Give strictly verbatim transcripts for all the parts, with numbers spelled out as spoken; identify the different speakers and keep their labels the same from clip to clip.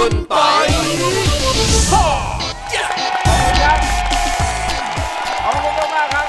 Speaker 1: คุณปอย
Speaker 2: ขอบคุณมากครับ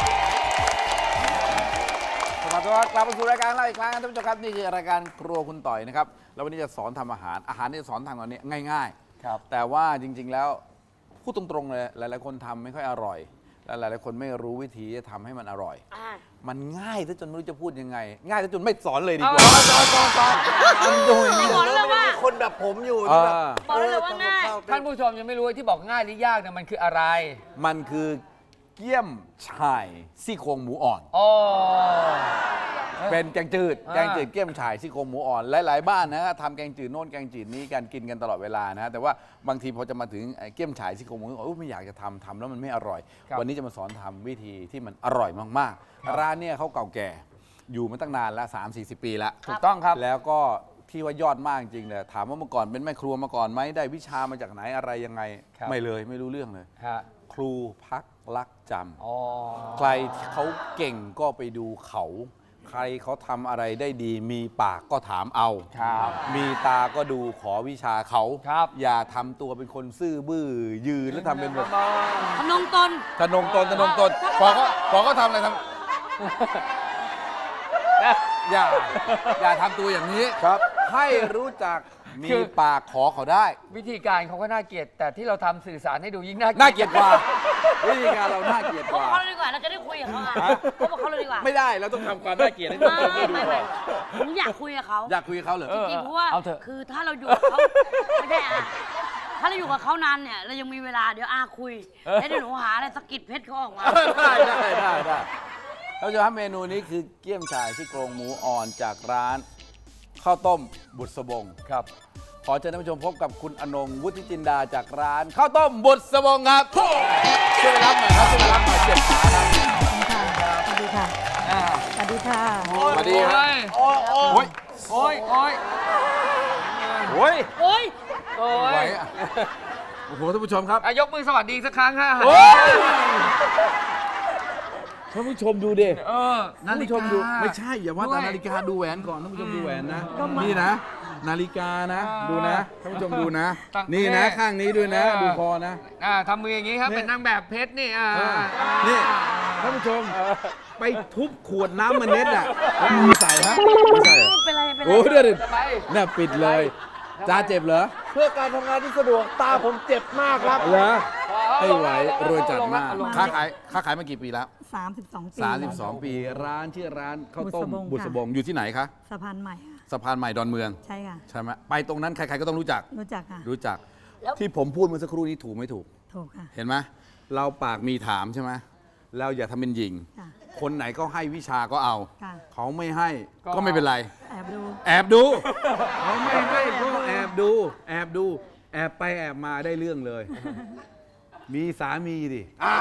Speaker 2: สวัสดีครับกลับมาสู่รายการเราอีกครั้งนะท่านผู้ชมครับนี่คือรายการครัวคุณต่อยนะครับแล้ววันนี้จะสอนทำอาหารอาหารที่จะสอนทำตอนนี้ง่ายๆครับแต่ว่าจริง ๆแล้วพูดตรงๆเลยหลายๆคนทำไม่ค่อยอร่อยและหลายๆคนไม่รู้วิธีจะทำให้มันอร่อยมันง่ายซะจนไม่รู้จะพูดยังไงง่ายซะจนไม่สอนเลยดีกว่าสอนสอนสอนมันดูอย่างนี้
Speaker 3: บอกแล้วว่า
Speaker 1: คนแบบผมอยู่ที่แบบ
Speaker 3: บอกแล้วว่าง่าย
Speaker 4: ท่านผู้ชมยังไม่รู้ที่บอกง่ายหรือยากเนี่ยมันคืออะไร
Speaker 2: มันคือเกี๊ยมฉ่ายซี่โครงหมูอ่อน
Speaker 4: อ๋อ
Speaker 2: เป็นแกงจืด
Speaker 4: อ่า
Speaker 2: แกงจืดเกี๊ยมฉ่ายซี่โครงหมูอ่อนหลายๆบ้านนะทำแกงจืดโน่นแกงจืดนี้กันกินกันตลอดเวลานะแต่ว่าบางทีพอจะมาถึงเกี๊ยมฉ่ายซี่โครงหมูอ่อนไม่อยากจะทำทำแล้วมันไม่อร่อย วันนี้จะมาสอนทำวิธีที่มันอร่อยมากๆร้านเนี่ยเขาเก่าแก่อยู่มาตั้งนานแล้ว สามสี่สิบ ปีแล้ว
Speaker 4: ถูกต้องครับ
Speaker 2: แล้วก็ที่ว่ายอดมากจริงเลยถามว่าเมื่อก่อนเป็นแม่ครัวมาก่อนไหมได้วิชามาจากไหนอะไรยังไงไม่เลยไม่รู้เรื่องเลย
Speaker 4: ฮะ
Speaker 2: ครูพักรักจำ
Speaker 4: อ๋อ
Speaker 2: ใครที่เขาเก่งก็ไปดูเขา ใครเขาทำอะไรได้ดี มีปากก็ถามเอา
Speaker 4: ครับ
Speaker 2: มีตาก็ดูขอวิชาเขา
Speaker 4: ครับ
Speaker 2: อย่าทำตัวเป็นคนซื่อบื้อยืนแล้วทำเป็นแบบ
Speaker 3: ทำนงตน
Speaker 2: ทะนงตนทะนงตนพอเขาพอเขาทำอะไรทำอย่าอย่าทำตัวอย่างนี้ครับ ให้รู้จักมีปากขอเขาได้
Speaker 4: วิธีการเขาก็น่าเกลียดแต่ที่เราทำสื่อสารให้ดูยิ่งน่า
Speaker 2: น่าเกลียดกว่าวิธีการเราน่าเกลียด
Speaker 3: พ
Speaker 2: ก
Speaker 3: บ
Speaker 2: ว่า
Speaker 3: เขาเลยดีกว่าเราจะได้คุยกับเขาอ่ะพบกับเขาเลยดีกว่า
Speaker 2: ไม่ได้เราต้องทำความน่าเกลียดให้ทุกคนได้ดูก่อน
Speaker 3: ผมอยากคุยกับเขา
Speaker 2: อยากคุยกับเขาเหรอ
Speaker 3: จริงๆเพราะว่า
Speaker 4: เอาเถอะ
Speaker 3: คือถ้าเราอยู่กับเขาไม่ได้อ่ะถ้าเราอยู่กับเขานานเนี่ยเรายังมีเวลาเดี๋ยวอาคุยแล้วเดี๋ยวหนูหาอะไรสะกิดเพชรเขาออกมา
Speaker 2: ได้ได้ได้ได้เราจะทำเมนูนี้คือเกี๊ยมฉ่ายซี่โครงหมูอ่อนจากร้านข้าวต้มบุษบง
Speaker 4: ครับ
Speaker 2: ขอเชิญท่านผู้ชมพบกับคุณอนงวุฒิจินดาจากร้านข้าวต้มบุษบงครับช่วยรับหน่อยครับช่วยรับหน่อยเจ็บขาครับ
Speaker 5: สวัสดีค่ะ
Speaker 4: อ่า
Speaker 5: สวัสดีค่ะ
Speaker 2: สวัสดีครับ
Speaker 4: โอ้ยโอ้ยโอ้ยโอ้ย
Speaker 2: โอ้ย
Speaker 3: โอ๊ย
Speaker 4: โอ้
Speaker 2: ไหวย
Speaker 4: ย
Speaker 2: อะโอ้โหท่านผู้ชมครับ
Speaker 4: อ่ะยกมือสวัสดีสักครั้งฮะ
Speaker 2: โอ้ยท่านผู้ชมดูดิ
Speaker 4: เออ
Speaker 2: ท่านผู้ชมดูไม่ใช่อย่าว่าแต่นาฬิกาดูแหวนก่อนท่านผู้ชมดูแหวนนะนี่นะ นาฬิกานะ ดูนะท่านผู้ชมดูนะ นี่นะข้างนี้ด้วยนะ ดูคอนะ
Speaker 4: อ่าทำมืออย่างนี้ครับเป็นนางแบบเพชรนี่อ่า
Speaker 2: นี่ท่านผู้ชมไปทุบขวดน้ำมันเน็ตอ่ะแล้วมือใส่ฮะไม่ใช่เหรอ
Speaker 3: เป็นไรเป็นไร
Speaker 2: โอ้เดี๋ยวดิ
Speaker 4: ไป
Speaker 2: เนี่ยปิดเลยจ้าเจ็บเหรอ
Speaker 1: เพื่อการทำงานที่สะดวกตาผมเจ็บมากครับ
Speaker 2: เหรอให้ไหวรวยจัดมาก
Speaker 4: ลงละ
Speaker 2: ค้าขายค้าขายมากี่ปีแล้ว
Speaker 5: สามสิบสองปี
Speaker 2: สามสิบสองปีร้านชื่อร้านข้าวต้ม
Speaker 5: บุ
Speaker 2: บุษ
Speaker 5: ษ
Speaker 2: บบ ง
Speaker 5: ง
Speaker 2: อยู่ที่ไหนคะ
Speaker 5: สะพานใหม่ค่ะ
Speaker 2: สะพานใหม่ดอนเมือง
Speaker 5: ใช่ค่ะ
Speaker 2: ใช่ไหมไปตรงนั้นใครๆก็ต้องรู้จัก
Speaker 5: รู้จักค่ะ
Speaker 2: รู้จัก ที่ผมพูดเมื่อสักครู่นี้ถูกไม่ถูก
Speaker 5: ถูกค่ะ
Speaker 2: เห็นไหมเราปากมีถามใช่ไหมเราอย่าทำเป็นหญิง
Speaker 5: ค่ะ
Speaker 2: คนไหนก็ให้วิชาก็เอา
Speaker 5: ค่ะ
Speaker 2: เขาไม่ให้ก็ไม่เป็นไร
Speaker 5: แอบดู
Speaker 2: แอบดู เขาไม่ให้ก็แอบดู แอบดู แอบไปแอบมาได้เรื่องเลย มีสามีดิ
Speaker 4: อ้าว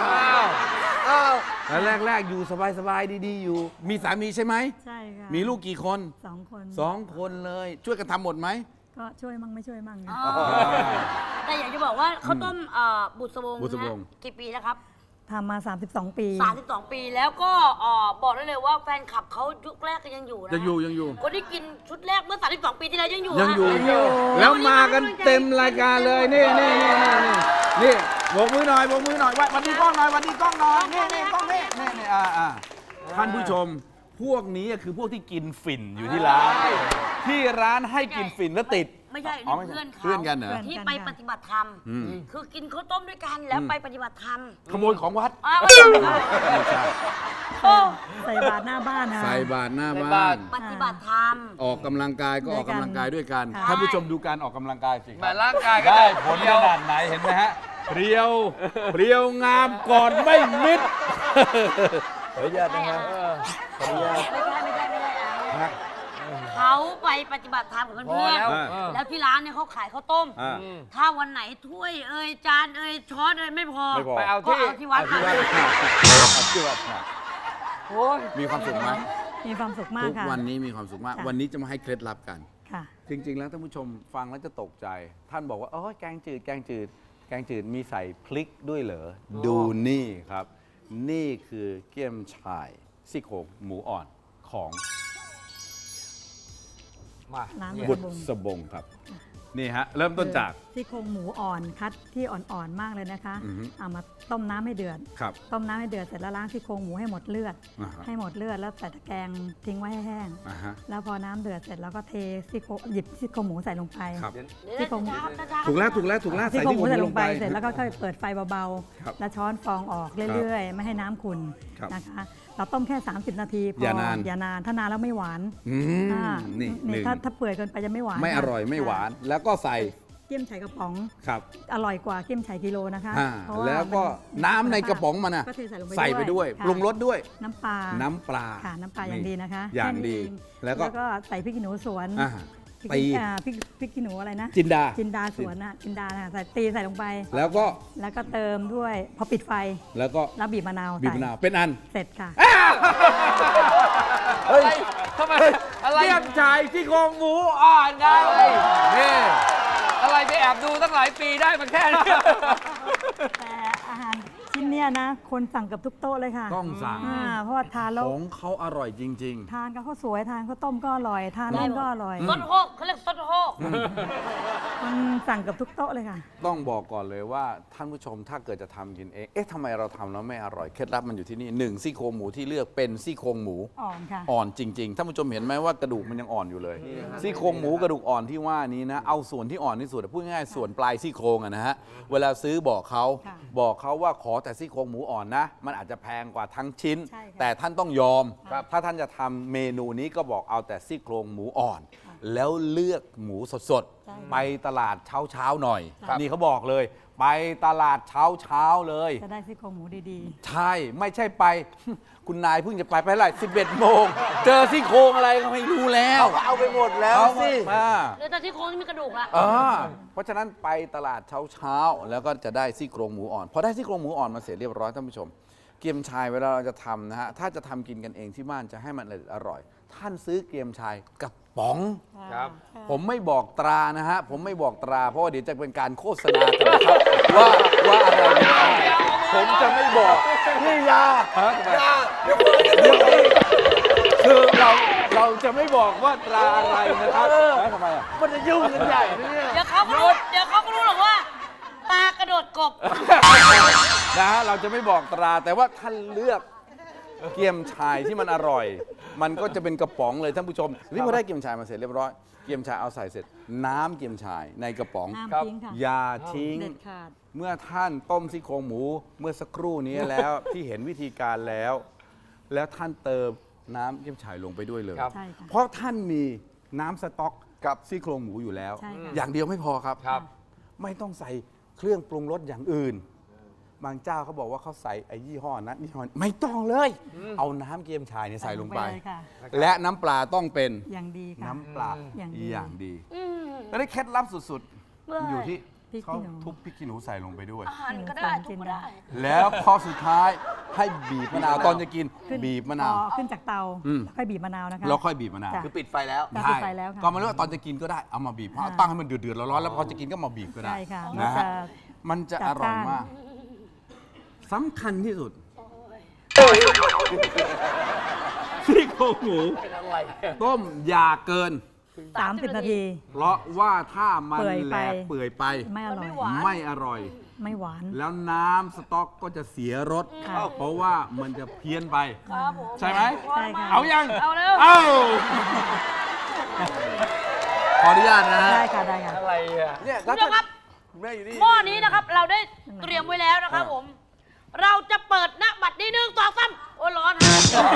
Speaker 1: อ้าว
Speaker 2: แล้วแรก ๆ อยู่สบาย ๆ ดี ๆ อยู่ มีสามีใช่ไหม
Speaker 5: ใช่ค่ะ
Speaker 2: มีลูกกี่คน
Speaker 5: สองคน
Speaker 2: สองคนเลย ช่วยกันทำหมดไหม
Speaker 5: ก็ช่วยมั่งไม่ช่วยมั่ง
Speaker 3: อ๋
Speaker 5: ค่ะ
Speaker 3: อแต่อยากจะบอกว่าข้าวต้มเอ่อบุษบง
Speaker 2: บุษบง
Speaker 3: นะกี่ปีแล้วครับ
Speaker 5: ทำมา สามสิบสอง ปี
Speaker 3: สามสิบสองปีแล้วก็เอ่อบอกได้เลยว่าแฟนคลับเขายุคแรกก็ยังอยู่นะ
Speaker 2: ยังอยู่ยังอยู่
Speaker 3: คนที่กินชุดแรกเมื่อสามสิบสองปีที่แล้วยังอยู่
Speaker 2: ยังอยู่
Speaker 3: นะ
Speaker 2: ยังอยู่ แล้วมากันเต็มรายการเลย นี่นี่นี่นี่นี่นี่โบกมือหน่อยโบกมือหน่อยวันนี้กล้องหน่อยวันนี้กล้องหน่อยนี่นี่กล้องนี่นี่นี่อ่าอ่าท่านผู้ชม พวกนี้คือพวกที่กินฝิ่นอยู่ที่ร้าน ที่ร้านให้กินฝิ่นแล้วติด
Speaker 3: ไม่ใช่
Speaker 2: อ๋อ
Speaker 3: นี่
Speaker 2: ไม่ใช่
Speaker 3: เพื่อนเขา
Speaker 2: เพื่อนกันเหรอ
Speaker 3: ที่ไปปฏิบัติธรรม
Speaker 2: อืม
Speaker 3: คือกินข้าวต้มด้วยกันแล้วไปปฏิบัติธรรม
Speaker 2: ขโมยของวัด
Speaker 3: อ้าวไม่ใช่
Speaker 2: ไม่ใช่
Speaker 3: โอ้
Speaker 5: ใส่บาตรหน้าบ้านค่ะ
Speaker 2: ใส่บาตรหน้า
Speaker 4: ใส่
Speaker 2: บ้า
Speaker 4: บาต
Speaker 2: น
Speaker 4: ร
Speaker 3: ปฏิบัติธรรม
Speaker 2: ออกกำลังกายก็ออกกำลังกายด้วยกัน
Speaker 5: ค่ะ
Speaker 2: ท่านผู้ชมดูการออกกำลังกายสิค
Speaker 4: แหมา
Speaker 2: รับ
Speaker 4: ร่างกายก็
Speaker 2: ได้
Speaker 4: จะ
Speaker 2: ผลขนาดไหนเห็นไหมฮะเรียวเรียวงามก่อนไม่มิดขออนุญาตนะฮะขออนุญาต
Speaker 3: ไม่ใช่ไม่ใช่ไม่ใช่อ่ะ
Speaker 2: ฮะ
Speaker 3: เขาไปปฏิบัติธรรมกับ
Speaker 4: พอ
Speaker 3: เพื่อน
Speaker 4: แล้ว
Speaker 2: อ่า
Speaker 4: เออ
Speaker 3: ๆแล้วที่ร้านเนี่ยเขาขายข้าวต้ม
Speaker 2: อ่า
Speaker 3: ถ้าวันไหนถ้วยเอ่ยจานเอ่ยช้อนเอ่ยไม่พอ
Speaker 2: ไม่พอ
Speaker 4: ไปเอา
Speaker 3: ก็
Speaker 4: ที่
Speaker 3: เอาที่วัด
Speaker 2: เอา
Speaker 3: มา
Speaker 2: ที่วัดเอาที่วัดค่ะ
Speaker 4: โอ้ย
Speaker 2: มีความสุขไหม
Speaker 5: มีความสุขมาก
Speaker 2: ทุก
Speaker 5: ค่ะ
Speaker 2: วันนี้มีความสุขมาก
Speaker 5: ค่ะ
Speaker 2: วันนี้จะมาให้เคล็ดลับกัน
Speaker 5: ค่ะ
Speaker 2: จริง ๆ แล้วท่านผู้ชมฟังแล้วจะตกใจ ท่านบอกว่าโอ้ยแกงจืดแกงจืดแกงจืดมีใส่พริกด้วยเหรอดูนี่ครับ นี่คือเกี๊ยมฉ่ายซี่โครงหมูอ่อนของ
Speaker 4: มา
Speaker 5: ร้าน
Speaker 4: เนี่ย
Speaker 2: บุษบงครับนี่ฮะ เริ่มต้นจาก
Speaker 5: ซี่โครงหมูอ่อนคัดที่อ่อนๆมากเลยนะคะ
Speaker 2: อือฮึ
Speaker 5: เอามาต้มน้ำให้เดือด
Speaker 2: ครับ
Speaker 5: ต้มน้ำให้เดือดเสร็จแล้วล้างซี่โครงหมูให้หมดเลือด
Speaker 2: อ่าฮะ
Speaker 5: ให้หมดเลือดแล้วใส่ตะแกรงทิ้งไว้ให้แห้ง
Speaker 2: อ่าฮะ
Speaker 5: แล้วพอน้ำเดือดเสร็จแล้วก็เทซี่โครงหยิบซี่โครงหมูใส่ลงไป
Speaker 2: ครับ
Speaker 3: เดี๋ยว
Speaker 5: ซี่โครง
Speaker 3: ช้าๆช้าๆ
Speaker 2: ถูกแล้วถูกแล้วถูกแล้ว
Speaker 5: ซี่
Speaker 2: ใส่
Speaker 5: โครง
Speaker 2: ที่
Speaker 5: หมู
Speaker 2: ผม
Speaker 5: ใส่
Speaker 2: ล
Speaker 5: ล
Speaker 2: ง
Speaker 5: ง
Speaker 2: ไป
Speaker 5: ไปเสร็จแล้วก็ค่อยเปิดไฟเบา
Speaker 2: ครับ
Speaker 5: ๆ แล้วช้อนฟองออกเรื่อยๆ ไม่ให้น้ำขุ่น
Speaker 2: ครับ
Speaker 5: นะคะ เราต้มแค่ สามสิบ นาทีพออย่
Speaker 2: อา
Speaker 5: น
Speaker 2: นาน
Speaker 5: อย่านานถ้านานแล้วไม่หวาน
Speaker 2: อืม
Speaker 5: อ่า
Speaker 2: นี่ห
Speaker 5: นี่
Speaker 2: นึ่ง
Speaker 5: ถ้าถ้าเปื่อยเกินไปจะไม่หวาน
Speaker 2: ไม่อ
Speaker 5: ค่ะ
Speaker 2: ร่อยไม่หวาน
Speaker 5: ค่ะ
Speaker 2: แล้วก็ใส่
Speaker 5: เกี๊ยมไฉกระป๋อง
Speaker 2: ครับ
Speaker 5: อร่อยกว่าเกี๊ยมไฉกิโลนะคะ
Speaker 2: อ่า
Speaker 5: เพราะา
Speaker 2: แล้วก็
Speaker 5: มัน
Speaker 2: น้ำในกระป๋องมันนะ
Speaker 5: ก็เทใส่ลงไป
Speaker 2: ใส่ไปด้วย
Speaker 5: ค่ะ
Speaker 2: ปรุงรสด้วย
Speaker 5: น้ำปลา
Speaker 2: น้ำปลา
Speaker 5: ค่ะน้ำปลาอย่างดีนะคะ
Speaker 2: อย่าง
Speaker 5: แค่นี้
Speaker 2: ดี
Speaker 5: เอง
Speaker 2: แล้วก็
Speaker 5: ใส่พริกขี้หนูสวน
Speaker 2: อ่า
Speaker 5: พริก
Speaker 2: ตี
Speaker 5: อ่าพริกพริกขี้หนูอะไรนะ
Speaker 2: จินดา
Speaker 5: จินดาสวนน่ะจินดาน่ะใส่ตีใส่ลงไป
Speaker 2: แล้วก็
Speaker 5: แล้วก็เติมด้วยพอปิดไฟ
Speaker 2: แล้วก็
Speaker 5: แล้วบีบมะนาว
Speaker 2: บีบ
Speaker 5: ใส่
Speaker 2: มะนาวเป็นอัน
Speaker 5: เสร็จค่ะ
Speaker 4: เฮ้ยทำไมอะไร
Speaker 2: เรียบชายที่โครงหมูอ่อนไงนี่
Speaker 4: อะไรไปแอบดูตั้งหลายปีได้มันแค่นี้
Speaker 5: แต่อาหารชิ้นเนี้ยนะ คนสั่งเกับทุกโต๊ะเลยค่ะ
Speaker 2: ต้องสั่ง
Speaker 5: อ่าเพราะว่าทานแล้ว
Speaker 2: ของเขาอร่อยจริง
Speaker 5: ทานกับข้าวสวยทานข้าวต้มก็อร่อย ทานนั่นก็อร่อย
Speaker 3: ซดโฮกเขาเรียกซดโฮก
Speaker 5: มันสั่งเกับทุกโต๊ะเลยค่ะ
Speaker 2: ๆ ต้องบอกก่อนเลยว่าท่านผู้ชมถ้าเกิดจะทำกินเอง เอ๊ะทำไมเราทำแล้วไม่อร่อย เคล็ดลับมันอยู่ที่นี่หนึ่งซี่โครงหมูที่เลือกเป็นซี่โครงหมู
Speaker 5: อ่อนค่ะ
Speaker 2: อ่อนจริงๆ ท่านผู้ชมเห็นไหมว่ากระดูกมันยังอ่อนอยู่เลย ซี่โครงหมูกระดูกอ่อนที่ว่านี้นะ เอาส่วนที่อ่อนที่สุดพูดง่ายๆส่วนปลายซี่โครงอะนะฮะ เวลาซื้อบอกเขา
Speaker 5: ค่ะ
Speaker 2: บอกเขาว่าขอแต่ซี่โครงหมูอ่อนนะ มันอาจจะแพงกว่าทั้งชิ้น
Speaker 5: ใช่ค่ะ
Speaker 2: แต่ท่านต้องยอม
Speaker 5: ครับ
Speaker 2: ถ้าท่านจะทำเมนูนี้ก็บอกเอาแต่ซี่โครงหมูอ่อน แล้วเลือกหมูสด
Speaker 5: ใช่
Speaker 2: ๆ ไปตลาดเช้าๆหน่อย
Speaker 5: ครับ
Speaker 2: นี่เขาบอกเลย ไปตลาดเช้าๆเลย
Speaker 5: จะได้ซี่โครงหมูดี
Speaker 2: ใช่ ไม่ใช่ไป คุณนายเพิ่งจะไปไปเท่าไหร่สิบเอ็ดโมง เจอซี่โครงอะไรก็ไม่รู้แล้ว
Speaker 1: เอาไปหมดแล้ว
Speaker 2: เอา
Speaker 1: สิ
Speaker 2: มา
Speaker 3: เดี๋ยวแต่ที่โค้งที่มีกระดูกละ
Speaker 2: เออเพราะฉะนั้นไปตลาดเช้าๆ แล้วก็จะได้ซี่โครงหมูอ่อน พอได้ซี่โครงหมูอ่อนมาเสร็จเรียบร้อยท่านผู้ชม เกี๊ยมชายเวลาเราจะทำนะฮะ ถ้าจะทำกินกันเองที่บ้านจะให้มันอร่อย ท่านซื้อเกี๊ยมชายกระป๋อง
Speaker 5: ๆ
Speaker 4: ครับ
Speaker 5: ะ
Speaker 2: ผมไม่บอกตรานะฮะ ผมไม่บอกตรา เพราะว่าเดี๋ยวจะเป็นการโฆษณากันนะครับ ว่าว่าอะไรเป็นอะไรผมจะไม่บอก
Speaker 1: นี่ยา
Speaker 2: ฮะทำไม
Speaker 1: ยาเดี๋ยวคนจะดูอีก
Speaker 2: คือเราเราจะไม่บอกว่าตราอะไรนะครับแล้วทำไมอ่ะ
Speaker 1: มันจะยุ่งกันใหญ่นะเนี่ย
Speaker 3: เดี๋ยวเขาก็รู้เดี๋ยวเขาก็รู้หรอกว่าปลากระโดดกบ
Speaker 2: นะฮะเราจะไม่บอกตราแต่ว่าท่านเลือกเกี๊ยมชายที่มันอร่อย มันก็จะเป็นกระป๋องเลยท่านผู้ชมนี่พอได้เกี๊ยมชายมาเสร็จเรียบร้อยเกี๊ยมชายเอาใส่เสร็จ น้ำเกี๊ยมชายในกระป๋อง
Speaker 5: ห้ามทิ้งค่ะ
Speaker 2: อย่าทิ้ง
Speaker 5: เด็ดขาด
Speaker 2: เมื่อท่านต้มซี่โครงหมูเมื่อสักครู่นี้แล้ว ที่เห็นวิธีการแล้ว แล้วท่านเติมน้ำเกี๊ยมฉ่ายลงไปด้วยเลย
Speaker 4: ครับ
Speaker 5: ใช่ค่ะ
Speaker 2: เพราะท่านมีน้ำสต๊อกกับซี่โครงหมูอยู่แล้ว
Speaker 5: ใช่ค่ะ
Speaker 2: อย่างเดียวไม่พอครับ
Speaker 4: ครับ
Speaker 2: ไม่ต้องใส่เครื่องปรุงรสอย่างอื่น บางเจ้าเขาบอกว่าเขาใส่ไอ้ยี่ห้อนั้นยี่ห้อนี้ไม่ต้องเลย เอาน้ำเกี๊ยมฉ่ายเนี่ยใส่ลงไป
Speaker 5: เลยค่ะ
Speaker 2: และน้ำปลาต้องเป็น
Speaker 5: อย่างดีค่ะ
Speaker 2: น้ำปลา
Speaker 5: อย่างดี
Speaker 2: อย่างดี
Speaker 3: อืม
Speaker 2: แล้วได้เคล็ดลับสุด
Speaker 3: เมื่อ
Speaker 2: ๆ อยู่ที่
Speaker 5: พริก
Speaker 2: เขา
Speaker 5: ขี้หนู
Speaker 2: ทุบพริกขี้หนูใส่ลงไปด้วย
Speaker 3: อาหารก็ได้ทุกก็ได้
Speaker 2: แล้วข้อสุดท้ายให้บีบมะนาวตอนจะกิน
Speaker 5: ขึ้น
Speaker 2: บีบมะนาว
Speaker 5: พอขึ้นจากเตา
Speaker 2: อืม
Speaker 5: แล้วค่อยบีบมะนาวนะคะ
Speaker 2: แล้วค่อยบีบมะนาว
Speaker 5: จ้ะ
Speaker 1: คือปิดไฟแล้ว
Speaker 5: จ้ะ
Speaker 2: ใช่
Speaker 5: ปิดไฟแล้วค่ะ
Speaker 2: ก็ไมารู้ว่าตอนจะกินก็ได้เอามาบีบเพราะ
Speaker 5: อ่า
Speaker 2: ตั้งให้มันเดือดๆร้อนๆแล้วพอจะกินก็มาบีบก็ได้
Speaker 5: ใช่ค่ะ
Speaker 2: นะฮะ
Speaker 5: มันจะ
Speaker 2: มันจะอร่อย
Speaker 5: จัดจ้าน
Speaker 2: มากสำคัญที่สุดซี่โครงหมูต้มอย่าเกิน
Speaker 5: สามสิบนาที
Speaker 2: เพราะว่าถ้ามัน
Speaker 5: เปื่อย
Speaker 2: แหล
Speaker 5: ไป
Speaker 2: กเปื่อยไป
Speaker 5: ไม่อร่อย
Speaker 3: หวาน
Speaker 2: ไม่อร่อย
Speaker 5: ไม่หวาน
Speaker 2: แล้วน้ำสต๊อกก็จะเสียรส
Speaker 5: ค่ะ
Speaker 2: เพราะว่ามันจะเพี้ยนไป
Speaker 3: ครับผม
Speaker 2: ใช่ไหม
Speaker 5: ใช่ค่ะ
Speaker 2: เอายัง
Speaker 3: เอาเร็ว
Speaker 2: เอาขออนุญาตนะฮะ
Speaker 5: ได้ค่ะได้ค่ะ
Speaker 4: อะไรอ่ะ
Speaker 1: เนี่ย
Speaker 3: คุณผู้ชมครับ
Speaker 1: คุณแม่อยู่นี่
Speaker 3: หม้อนี้นะครับเราได้เตรียมไว้แล้วนะครับผม เราจะเปิดหน้าบัตรนี้หนึ่งสองสามโอ้ยร้อนฮะ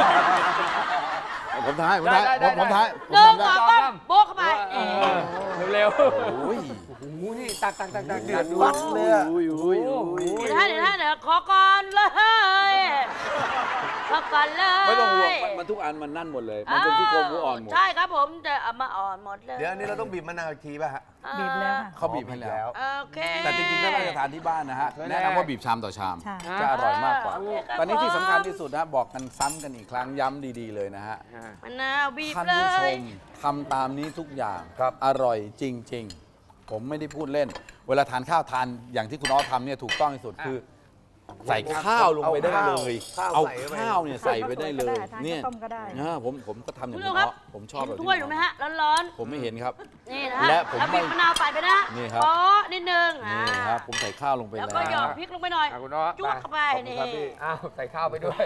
Speaker 2: ผมท้ายผมท้าย
Speaker 4: ได้
Speaker 2: ผ
Speaker 4: ได้
Speaker 2: มผมท้ายผม
Speaker 3: หนึ่ง
Speaker 2: ทำ
Speaker 3: ส
Speaker 2: ได้
Speaker 3: องสามโบ๊ะเข้าไปเออ
Speaker 4: เร็ว
Speaker 2: โอ้ย
Speaker 4: ๆโอ้โหนี่ตักตักตักตักเดือด
Speaker 1: วัดเลยอะ
Speaker 2: อุ้ยอุ้ยอุ้ย
Speaker 3: เดี๋ยวนะเดี๋ยวนะเดี๋ยวขอก่อนเลยขอก่อนเลย
Speaker 2: ไม่ต้องห่วงมันมันทุกอันมันนั่นหมดเลย มันเป็นที่โครงหมูอ่อนหมด
Speaker 3: ใช่ครับผมจะเอามาอ่อนหมดเลย
Speaker 1: เดี๋ยวอันนี้เราต้องบีบมะนาวอีกทีป่ะฮะ
Speaker 5: บีบแล้วค่ะ
Speaker 2: เขาบีบให้แล้ว
Speaker 3: โอเค
Speaker 2: แต่จริงๆถ้าเราจะทานที่บ้านนะฮะ แนะนำว่าบีบชามต่อชาม
Speaker 5: ใช่
Speaker 2: จะอร่อยมากกว่า
Speaker 3: โอเคครับ
Speaker 2: ตอนนี้ที่สำคัญที่สุดนะบอกกันซ้ำกันอีกครั้งย้ำดีๆเลยนะฮะ
Speaker 3: มะนาวบีบ
Speaker 2: ท่าน
Speaker 3: เล
Speaker 2: ผู้ช
Speaker 3: ย
Speaker 2: มทำตามนี้ทุกอย่างอร่อยจริง ๆ ผมไม่ได้พูดเล่น เวลาทานข้าวทานอย่างที่คุณอ้อทำเนี่ยถูกต้องที่สุดคือใส่ข้าวลงไปได้เลย
Speaker 1: เอา
Speaker 2: เอา
Speaker 1: ข้าว
Speaker 2: ข้าวเนี่ยใส่ไปได้เลย
Speaker 5: ทาน
Speaker 2: เนี่ย
Speaker 5: ข้าวต้มก็ได้
Speaker 2: นะผมผมก็ทำอย่าง
Speaker 3: คุณ
Speaker 2: นี้
Speaker 3: ผู้ชมครับ
Speaker 2: เนาะผมชอบแบบ
Speaker 3: เห็นถ้วยถูกไหมฮะร้อน
Speaker 2: ผมไม่เห็นครับ
Speaker 3: ๆนี่นะฮะ
Speaker 2: และผม
Speaker 3: แล้ว
Speaker 2: ไม่
Speaker 3: บีบมะนาวใส่ไปนะ
Speaker 2: นี่ครับ
Speaker 3: อ๋อนิดนึงอ่า
Speaker 2: นี่ครับผมใส่ข้าวลงไป
Speaker 3: แล้ว
Speaker 2: แล้ว
Speaker 3: ก็หยอดพริกลงไปหน่อย
Speaker 4: อ่ะคุณน้อ
Speaker 3: จุ๊บเข้าไป
Speaker 4: ขอบคุณ
Speaker 3: นี่
Speaker 4: ครับพี่อ้าวใส่ข้าวไปด้วย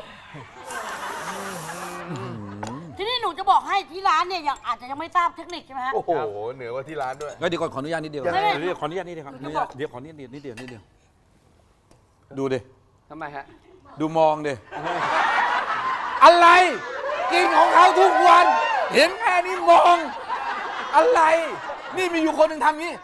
Speaker 3: ทีนี้หนูจะบอกให้ที่ร้านเนี่ยยังอาจจะยังไม่ทราบเทคนิคใช่ไหมฮะ
Speaker 1: โอ้โห เหนือกว่าที่ร้านด้วย
Speaker 2: ก็เดี๋ยวก่อนขออนุญาตนิดเดียว
Speaker 1: ยังไง
Speaker 2: เดี๋ยวขออนุญาตนิดเดียวครับ
Speaker 3: หนูจะบอก
Speaker 2: เดี๋ยวขออนุญาตนิดเดียวนิดเดียวดูดิ
Speaker 4: ทำไมฮะ
Speaker 2: ดูมองดิอะไร กินของเขาทุกวัน เห็นแค่นี้มอง อะไร นี่มีอยู่คนหนึ่งทำงี้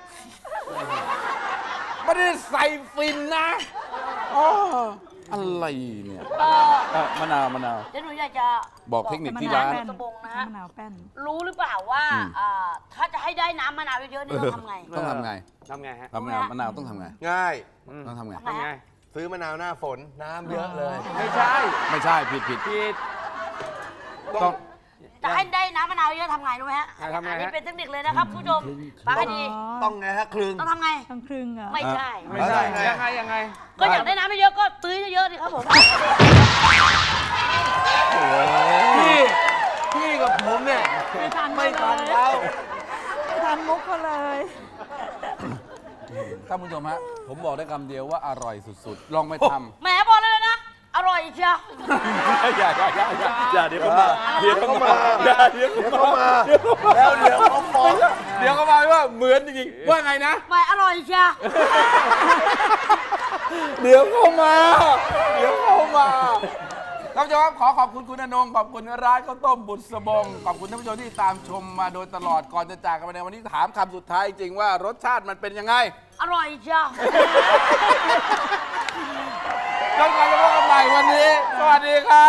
Speaker 2: ไม่ได้ใส่ฟินนะอ๋ออะไรเนี่ย
Speaker 3: เออ
Speaker 2: เอ่อมะนาวมะนาว
Speaker 3: เดี๋ยวหนูอยากจะ
Speaker 2: บอกเทคนิคที่ร้าน
Speaker 3: มะวตะบงนะฮะ
Speaker 5: มะนาวแป้น
Speaker 3: รู้หรือเปล่าว่า
Speaker 2: อืม
Speaker 3: เอ่อถ้าจะให้ได้น้ำมะนาวเยอะๆนี่ต้องทำไง
Speaker 2: ต้องทำไง
Speaker 4: ทำไงฮะ
Speaker 2: ทำมะนาวมะนาวต้องทำไง
Speaker 1: ง่าย
Speaker 2: ต้องทำไง
Speaker 3: ทำไง
Speaker 4: ทำไง
Speaker 1: ซื้อมะนาวหน้าฝน น้ำเยอะเลย
Speaker 4: ไม่ใช่
Speaker 2: ไม่ใช่ผิดผิด
Speaker 4: ผิด
Speaker 2: ต้อง
Speaker 3: จะให้ได้น้ำมะนาวเยอะทำไงรู้ไหมฮะ
Speaker 4: อ่ะทำไงฮะ
Speaker 3: อันนี้เป็นเทคนิคเลยนะครับผู้ชมฟังให้ดี
Speaker 1: ต้องไงฮะคลึง
Speaker 3: ต้องทำไง
Speaker 5: ต้องครึ่งเหรอ
Speaker 3: ไม่ใช่
Speaker 4: ไม่ใช่
Speaker 1: ไง
Speaker 4: ยังไงยังไง
Speaker 3: ก็อยากได้น้ำเยอะๆก็ตื้อเยอะๆดิครับผม
Speaker 1: พี่พี่กับผมเนี่ย
Speaker 5: ไม่ทัน
Speaker 1: ไม่ทัน
Speaker 5: เลย
Speaker 1: เขา
Speaker 5: ไม่ทันมุกเขาเลย
Speaker 2: ท่านผู้ชมฮะผมบอกได้คำเดียวว่าอร่อยสุดๆ ลองไปทำ
Speaker 3: แหมบอกเลยนะ อร่อยเชียว
Speaker 2: อย่าอย่าอย่าอย่าอย่าเดี๋ยวเขามาเดี๋ยวเขามาอย่าเดี๋ยว
Speaker 1: เดี๋ยว
Speaker 2: เขา
Speaker 1: เขา
Speaker 2: มา
Speaker 1: มาแล้วเดี๋ยวเขาฟ้อง
Speaker 2: เดี๋ยวเขามาว่าเหมือนจริงๆว่าไงนะ
Speaker 3: แหมอร่อยเชียว
Speaker 2: เดี๋ยวเขามา เดี๋ยวเขามาท่านผู้ชมครับขอขอบคุณคุณอนงขอบคุณร้านข้าวต้มบุษบงขอบคุณท่านผู้ชมที่ตามชมมาโดยตลอดก่อนจะจากกันไปในวันนี้ถามคำสุดท้ายจริงๆว่ารสชาติมันเป็นยังไง
Speaker 3: อร่อยเชียว
Speaker 2: จนกว่าจะพบกันใหม่วันนี้ สวัสดีครับ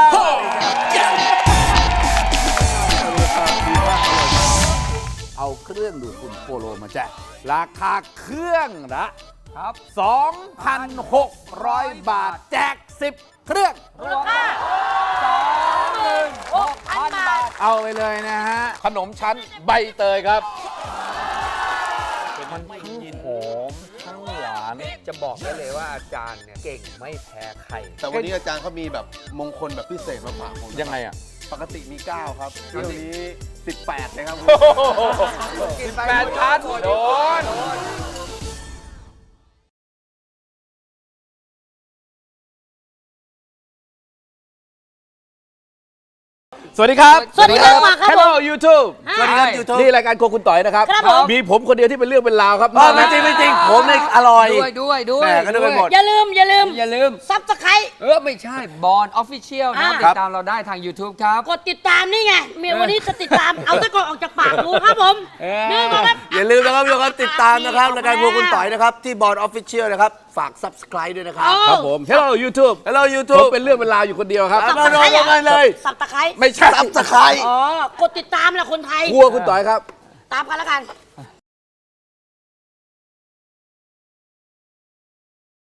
Speaker 2: เอาเครื่องดูดฝุ่นโปโลมาแจกราคาเครื่องละ
Speaker 4: ครับ
Speaker 2: สองพันหกร้อย บาท แจก สิบ เครื่อง
Speaker 3: มูลค่าสองหมื่นหกพันบาท
Speaker 2: เอาไปเลยนะฮะ ขนมชั้นใบเตยครับ
Speaker 4: มันทั้งหอมทั้งหวาน จะบอกได้เลยว่าอาจารย์เนี่ยเก่งไม่แพ้ใคร
Speaker 1: แต่วันนี้อาจารย์เขามีแบบมงคลแบบพิเศษมาฝากผม
Speaker 2: ยังไงอ่ะ
Speaker 1: ปกติมีเก้าครับเที่ยวนี้สิบแปดเลยครับ
Speaker 2: สิบแปดชั้นโดน สวัสดีครับ
Speaker 3: สวัสดีครับมาครับผม
Speaker 2: Hello YouTube
Speaker 3: สวัสดีครับ
Speaker 1: YouTube
Speaker 2: นี่รายการโครัวคุณต่อยนะครับ
Speaker 3: ครับผม
Speaker 2: มีผมคนเดียวที่เป็นเรื่องเป็นราวครับ
Speaker 1: ไม่จริงไม่จริงผมเนี่ยอร่อย
Speaker 4: ด้วยด้วยด้วย
Speaker 1: แม่ก็นึกไปหมด
Speaker 3: อย่าลืม อย่าลืม
Speaker 4: อย่าลืม
Speaker 3: ซับสไครต์
Speaker 4: เออ ไม่ใช่บอลออฟฟิเชียลนะ
Speaker 3: อ่า
Speaker 4: ติดตามเราได้ทาง YouTube ครับ
Speaker 3: กดติดตามนี่ไงเมียวันนี้จะติดตาม เอาตะกอนออกจากปากดูครับผม
Speaker 4: เออ
Speaker 3: นี่มาครับ
Speaker 1: อย่าลืมนะครับทุกคนติดตามนะครับรายการพวกคุณต่อยนะครับ ที่บอร์ดออฟฟิเชียลนะครับ ฝาก subscribe ด้วยนะครับ
Speaker 3: เอา
Speaker 2: ครับผม Hello YouTube
Speaker 1: Hello
Speaker 2: ผม
Speaker 1: YouTube
Speaker 2: เป็นเรื่องเป็นราวอยู่คนเดียวครับ
Speaker 1: เอามาลงกันเลย
Speaker 3: สับตะไคร้
Speaker 2: ไม่ใช่
Speaker 1: subscribe
Speaker 3: อ๋อ กดติดตามแหละคนไทย
Speaker 2: ครัวคุณต่อยครับ
Speaker 3: ตามกันแล้วกัน